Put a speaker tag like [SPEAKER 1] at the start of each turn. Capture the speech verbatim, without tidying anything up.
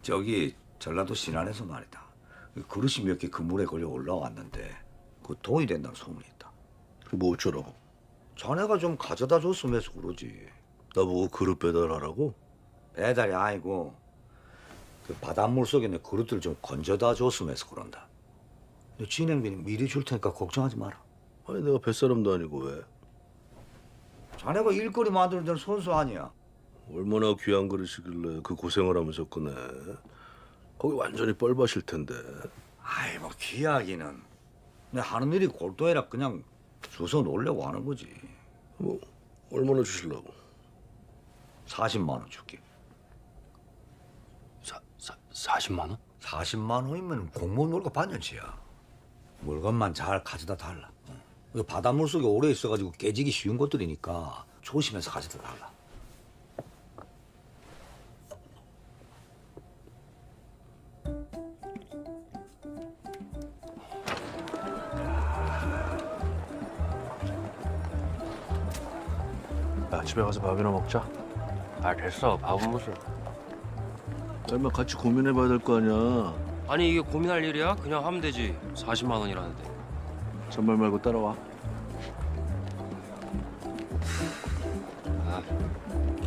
[SPEAKER 1] 저기 전라도 신안에서 말이다. 그릇이 몇 개 그물에 걸려 올라왔는데 그 돈이 된다는 소문이 있다.
[SPEAKER 2] 뭐 어쩌라고?
[SPEAKER 1] 자네가 좀 가져다 줬으면 해서 그러지.
[SPEAKER 2] 나보고 그릇 배달하라고?
[SPEAKER 1] 배달이 아니고 그 바닷물 속에 있는 그릇들 좀 건져다 줬으면 해서 그런다. 너 진행비는 미리 줄 테니까 걱정하지 마라.
[SPEAKER 2] 아니 내가 뱃사람도 아니고 왜?
[SPEAKER 1] 자네가 일거리 만드는 데는 선수 아니야.
[SPEAKER 2] 얼마나 귀한 그릇이길래 그 고생을 하면서 꺼내. 거기 완전히 뻘밭일 텐데.
[SPEAKER 1] 아이 뭐 귀하기는 내 하는 일이 골도해라 그냥 주워 놓으려고 하는 거지.
[SPEAKER 2] 뭐 얼마나 주실라고?
[SPEAKER 1] 사십만 원 줄게.
[SPEAKER 3] 사, 사, 사십만 원?
[SPEAKER 1] 사십만 원이면 공무원 월급 반년치야. 물건만 잘 가져다 달라. 어. 바닷물 속에 오래 있어가지고 깨지기 쉬운 것들이니까 조심해서 가져다 달라.
[SPEAKER 3] 야, 집에 가서 밥이나 먹자. 아, 됐어. 밥은 무슨.
[SPEAKER 2] 얼마 같이 고민해봐야 될 거 아니야.
[SPEAKER 3] 아니, 이게 고민할 일이야? 그냥 하면 되지. 사십만 원이라는데.
[SPEAKER 2] 잔말 말고 따라와.
[SPEAKER 3] 아,